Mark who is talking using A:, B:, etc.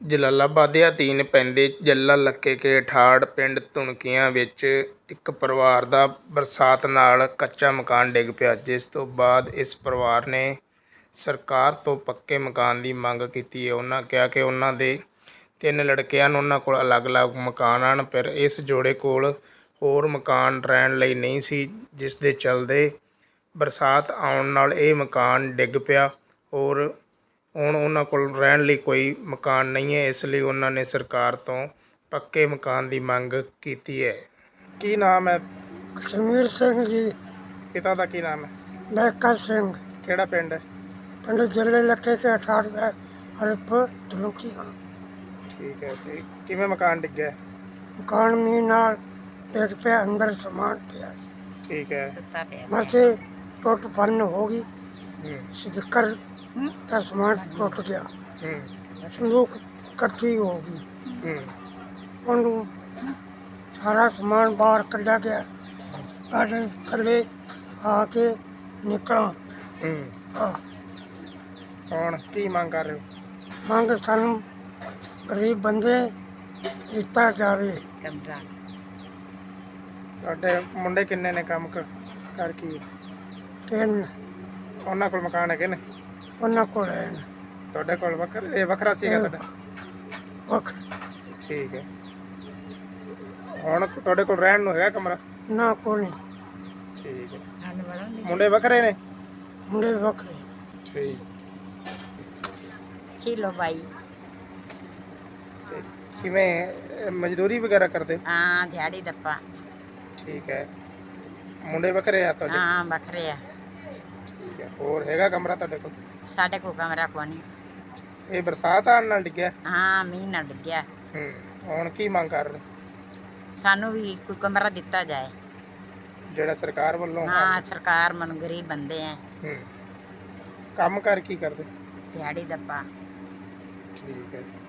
A: ਜਲਾਲਾਬਾਦ ਦੇ ਅਧੀਨ ਪੈਂਦੇ ਜੱਲਾ ਲੱਕੇ ਕੇ ਠਾੜ ਪਿੰਡ ਧੁਣਕੀਆਂ ਵਿੱਚ ਇੱਕ ਪਰਿਵਾਰ ਦਾ ਬਰਸਾਤ ਨਾਲ ਕੱਚਾ ਮਕਾਨ ਡਿੱਗ ਪਿਆ, ਜਿਸ ਤੋਂ ਬਾਅਦ ਇਸ ਪਰਿਵਾਰ ਨੇ ਸਰਕਾਰ ਤੋਂ ਪੱਕੇ ਮਕਾਨ ਦੀ ਮੰਗ ਕੀਤੀ ਹੈ। ਉਹਨਾਂ ਕਿਹਾ ਕਿ ਉਹਨਾਂ ਦੇ 3 ਲੜਕੇ ਹਨ, ਉਹਨਾਂ ਕੋਲ ਅਲੱਗ-ਅਲੱਗ ਮਕਾਨ ਹਨ, ਪਰ ਇਸ ਜੋੜੇ ਕੋਲ ਹੋਰ ਮਕਾਨ ਰਹਿਣ ਲਈ ਨਹੀਂ ਸੀ, ਜਿਸ ਦੇ ਚੱਲਦੇ ਬਰਸਾਤ ਆਉਣ ਨਾਲ ਇਹ ਮਕਾਨ ਡਿੱਗ ਪਿਆ। ਔਰ ਹੁਣ ਉਹਨਾਂ ਕੋਲ ਰਹਿਣ ਲਈ ਕੋਈ ਮਕਾਨ ਨਹੀਂ ਹੈ, ਇਸ ਲਈ ਉਹਨਾਂ ਨੇ ਸਰਕਾਰ ਤੋਂ ਪੱਕੇ ਮਕਾਨ ਦੀ ਮੰਗ ਕੀਤੀ ਹੈ। ਕੀ ਨਾਮ ਹੈ?
B: ਕਸ਼ਮੀਰ ਸਿੰਘ ਜੀ।
A: ਪਿਤਾ ਦਾ ਕੀ ਨਾਮ ਹੈ?
B: ਲਹਿਕਾ ਸਿੰਘ।
A: ਕਿਹੜਾ ਪਿੰਡ ਹੈ?
B: ਪਿੰਡ ਜੱਲੇ ਲੱਕੇ ਕੇ 18 ਹਰਪ ਧੁਣਕੀਆਂ।
A: ਠੀਕ ਹੈ। ਤੇ ਕਿਵੇਂ ਮਕਾਨ ਡਿੱਗਿਆ?
B: ਮਕਾਨ ਮੀਂਹ ਨਾਲ ਡਿੱਗ ਪਿਆ, ਅੰਦਰ ਸਮਾਨ ਪਿਆ।
A: ਠੀਕ ਹੈ।
B: ਮਸੇ ਟੁੱਟ ਭੰਨ ਹੋ ਗਈ,
A: ਹੂੰ
B: ਸਪੀਕਰ ਦਾ ਸਮਾਨ ਟੁੱਟ ਗਿਆ,
A: ਹੂੰ
B: ਸੰਦੂਕ ਇਕੱਠੀ ਹੋ ਗਈ,
A: ਹੂੰ
B: ਉਹਨੂੰ ਸਾਰਾ ਸਮਾਨ ਬਾਹਰ ਕੱਢਿਆ ਗਿਆ। ਸਾਡੇ ਥੱਲੇ ਆ ਕੇ ਨਿਕਲਾਂ।
A: ਹੂੰ ਹੁਣ ਕੀ ਮੰਗ ਕਰ ਰਹੇ ਹੋ?
B: ਮੰਗ ਸਾਨੂੰ ਗਰੀਬ ਬੰਦੇ ਦਿੱਤਾ ਜਾਵੇ।
A: ਤੁਹਾਡੇ ਮੁੰਡੇ ਕਿੰਨੇ ਨੇ? ਕੰਮ ਕਰ ਕੀ?
B: 3
A: ਉਹਨਾਂ ਕੋਲ ਮਕਾਨ ਹੈਗੇ ਨੇ?
B: ਉਹਨਾਂ ਕੋਲ ਹੈ ਨਾ।
A: ਤੁਹਾਡੇ ਕੋਲ ਇਹ ਵੱਖਰਾ ਸੀਗਾ ਤੁਹਾਡਾ?
B: ਵੱਖਰਾ।
A: ਠੀਕ ਹੈ। ਹੁਣ ਤੁਹਾਡੇ ਕੋਲ ਰਹਿਣ ਨੂੰ ਹੈਗਾ ਕਮਰਾ?
B: ਨਾ ਕੋਈ ਨਹੀਂ।
A: ਠੀਕ ਹੈ। ਮੁੰਡੇ ਵੱਖਰੇ ਨੇ?
B: ਮੁੰਡੇ ਵੱਖਰੇ।
A: ਠੀਕ।
C: ਚਲੋ ਬਾਈ।
A: ਤੇ ਕਿਵੇਂ ਮਜ਼ਦੂਰੀ ਵਗੈਰਾ ਕਰਦੇ?
C: ਹਾਂ, ਦਿਹਾੜੀ ਦੱਪਾ।
A: ਠੀਕ ਹੈ। ਮੁੰਡੇ ਵੱਖਰੇ ਆ ਤੁਹਾਡੇ?
C: ਹਾਂ, ਵੱਖਰੇ ਆ।
A: ਠੀਕ ਹੈ। ਹੋਰ ਹੈਗਾ ਕਮਰਾ ਤੁਹਾਡੇ ਕੋਲ?
C: ਸਾਡੇ ਕੋਲ ਕਮਰਾ ਕੋਈ ਨਹੀਂ।
A: ਇਹ ਬਰਸਾਤ ਆਉਣ ਨਾਲ ਡਿੱਗਿਆ?
C: ਹਾਂ, ਮੀਂਹ ਨਾਲ ਡਿੱਗਿਆ।
A: ਹੁਣ ਕੀ ਮੰਗ ਕਰ ਰਹੇ?
C: ਸਾਨੂੰ ਵੀ ਕੋਈ ਕਮਰਾ ਦਿੱਤਾ ਜਾਏ।
A: ਜਿਹੜਾ ਸਰਕਾਰ ਵੱਲੋਂ?
C: ਹਾਂ, ਸਰਕਾਰ ਮਨ ਗਰੀਬ ਬੰਦੇ ਆ।
A: ਕੰਮ ਕਰ ਕੀ ਕਰਦੇ?
C: ਦਿਹਾੜੀ ਦੱਪਾ।
A: ਠੀਕ ਹੈ।